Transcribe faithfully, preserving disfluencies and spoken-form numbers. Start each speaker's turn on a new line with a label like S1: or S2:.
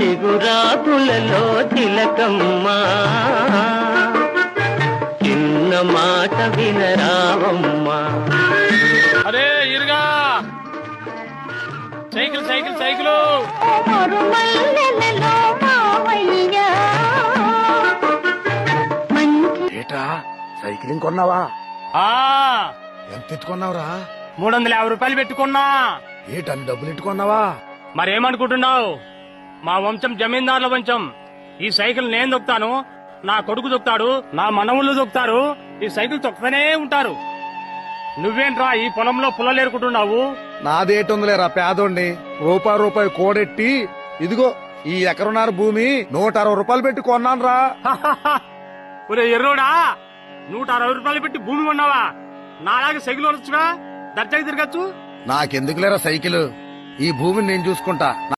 S1: చిగురాకులలో తిలకమ్మా చిన్న మాట వినరావమ్మా.
S2: అరే ఇరుగా సైకిల్ సైకిల్ సైకిల్
S3: ఏటా సైకిలింగ్ కొన్నావా?
S2: ఆ
S3: ఎంత ఎత్తుకున్నావురా?
S2: మూడు వందల యాభై రూపాయలు పెట్టుకున్నా.
S3: ఏటన్ని డబ్బులు ఎట్టుకున్నావా?
S2: మరేమనుకుంటున్నావు? మా వంశం జమీందారుల వంశం. ఈ సైకిల్ నేను దొక్కుతాను, నా కొడుకు దొక్కుతాడు, నా మనవులు దొక్కుతారు. ఈ సైకిల్ తొక్కుతూనే ఉంటారు. నువ్వేంట్రా ఈ పొలంలో పుల్లలేరుకుంటున్నావు?
S3: నాదేటుందిలేరా పేదోండి. రూపాయి రూపాయి కోడెట్టి ఇదిగో ఈ ఎకరున్నర భూమి నూట అరవై రూపాయలు పెట్టి కొన్నాను రా.
S2: ఒరే ఎర్రోడా, నూట అరవై రూపాయలు పెట్టి భూమి కొన్నావా? నాలాగే సైకిల్ వరచుగా దర్జాకి తిరగచ్చు.
S3: నాకెందుకులేరా సైకిల్? ఈ భూమిని నేను చూసుకుంటా.